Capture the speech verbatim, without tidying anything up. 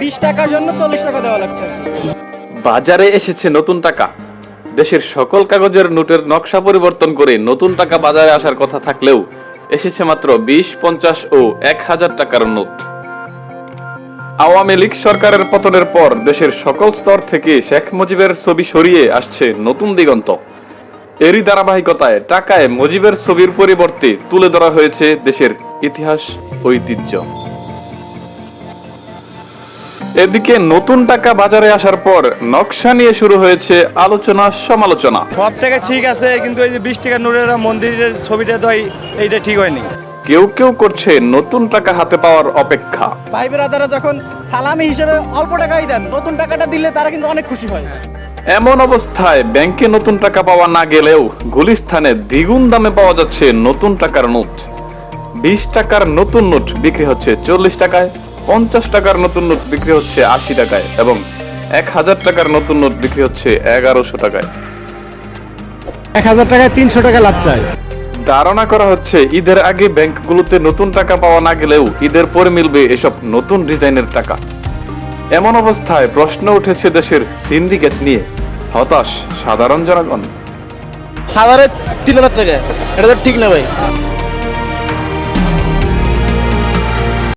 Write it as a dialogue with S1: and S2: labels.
S1: বিশ টাকার জন্য চল্লিশ টাকা দেওয়া লাগছে।
S2: বাজারে এসেছে নতুন টাকা। দেশের সকল কাগজের নোটের নকশা পরিবর্তন করে নতুন টাকা বাজারে আসার কথা থাকলেও এসেছে মাত্র বিশ, পঞ্চাশ ও এক হাজার টাকার নোট। আওয়ামী লীগ সরকারের পতনের পর দেশের সকল স্তর থেকে শেখ মুজিবের ছবি সরিয়ে আসছে নতুন দিগন্ত। এরই ধারাবাহিকতায় টাকায় মুজিবের ছবির পরিবর্তে তুলে ধরা হয়েছে দেশের ইতিহাস, ঐতিহ্য। এদিকে নতুন টাকা বাজারে আসার পর নকশা নিয়ে শুরু হয়েছে আলোচনা সমালোচনা।
S3: সব টাকা ঠিক আছে, কিন্তু এই যে বিশ টাকার নোটের মন্দিরের ছবিটা তো এই- এইটা ঠিক হয়নি।
S2: কেউ কেউ করছে নতুন টাকা হাতে পাওয়ার অপেক্ষা।
S1: ভাই বেরাদারা যখন সালামি হিসেবে অল্প টাকাই দেন, নতুন টাকাটা দিলে তারা কিন্তু অনেক খুশি হয়।
S2: এমন অবস্থায় ব্যাংকে নতুন টাকা পাওয়া না গেলেও গুলিস্তানে দ্বিগুণ দামে পাওয়া যাচ্ছে নতুন টাকার নোট। বিশ টাকার নতুন নোট বিক্রি হচ্ছে চল্লিশ টাকায়, পঞ্চাশ টাকার নতুন নোট বিক্রি হচ্ছে আশি টাকায় এবং এক হাজার টাকার নতুন নোট বিক্রি হচ্ছে এগারোশো টাকায়।
S4: এক হাজার টাকায় তিনশো টাকা লাভ চায়।
S2: ধারণা করা হচ্ছে ঈদের আগে ব্যাংকগুলোতে নতুন টাকা পাওয়া না গেলেও ঈদের পরে মিলবে এসব নতুন ডিজাইনের টাকা। এমন অবস্থায় প্রশ্ন উঠেছে দেশের সিন্ডিকেট নিয়ে। হতাশ সাধারণ জনগণ।
S5: হাজারে তিন হাজার টাকা, এটা তো ঠিক না ভাই।